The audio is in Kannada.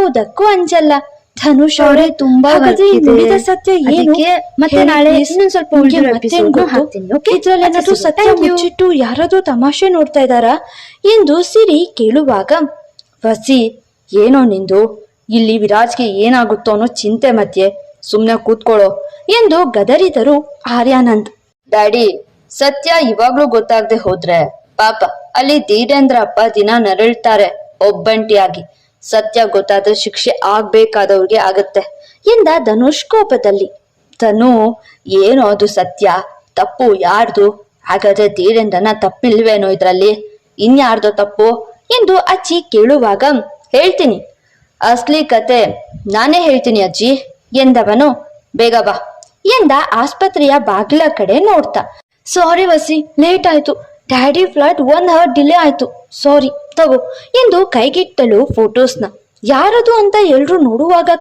ಯಾವುದಕ್ಕೂ ಅಂಜಲ್ಲ. ಧನುಷ್ ಅವರೇ ತುಂಬಾ ನುಡಿದ ಸತ್ಯ ಏನು ಮತ್ತೆ ನಾಳೆ ಇನ್ನೊಂದ್ ಸ್ವಲ್ಪ ಇದ್ರಲ್ಲೇನಾದ್ರೂ ಸತ್ಯ ಮುಚ್ಚಿಟ್ಟು ಯಾರಾದ್ರೂ ತಮಾಷೆ ನೋಡ್ತಾ ಇದ್ದಾರಾ ಎಂದು ಸಿರಿ ಕೇಳುವಾಗ, ವಸಿ ಏನೋ ನಿಂದು, ಇಲ್ಲಿ ವಿರಾಜ್ಗೆ ಏನಾಗುತ್ತೋ ಅನ್ನೋ ಚಿಂತೆ ಮಧ್ಯೆ ಸುಮ್ನೆ ಕೂತ್ಕೊಳ್ಳೋ ಎಂದು ಗದರಿದರು ಆರ್ಯಾನಂದ್. ಡ್ಯಾಡಿ, ಸತ್ಯ ಇವಾಗ್ಲೂ ಗೊತ್ತಾಗದೆ ಹೋದ್ರೆ ಪಾಪ ಅಲ್ಲಿ ಧೀರೇಂದ್ರ ಅಪ್ಪ ದಿನ ನರಳ್ತಾರೆ ಒಬ್ಬಂಟಿಯಾಗಿ. ಸತ್ಯ ಗೊತ್ತಾದ್ರೆ ಶಿಕ್ಷೆ ಆಗ್ಬೇಕಾದವ್ರಿಗೆ ಆಗತ್ತೆ ಎಂದ ಧನುಷ್ ಕೋಪದಲ್ಲಿ. ಧನು, ಏನೋ ಅದು ಸತ್ಯ, ತಪ್ಪು ಯಾರ್ದು? ಹಾಗಾದ್ರೆ ಧೀರೇಂದ್ರನ ತಪ್ಪಿಲ್ವೇನೋ ಇದ್ರಲ್ಲಿ? ಇನ್ಯಾರ್ದೋ ತಪ್ಪು ಎಂದು ಅಜ್ಜಿ ಕೇಳುವಾಗ, ಹೇಳ್ತೀನಿ, ಅಸ್ಲಿ ಕತೆ ನಾನೇ ಹೇಳ್ತೀನಿ ಅಜ್ಜಿ ಎಂದವನು. ಬೇಗ ಬಾ ಎಂದ ಆಸ್ಪತ್ರೆಯ ಬಾಗಿಲ ಕಡೆ ನೋಡ್ತಾ. ಸಾರಿ ವಸಿ, ಲೇಟ್ ಆಯ್ತು. ಡ್ಯಾಡಿ ಫ್ಲೈಟ್ 1 hour ಡಿಲೇ ಆಯ್ತು. ಸಾರಿ, ತಗೋ ಎಂದು ಕೈಗಿಟ್ಟಲು ಫೋಟೋಸ್ನ. ಯಾರದು ಅಂತ ಎಲ್ರು ನೋಡುವಾಗ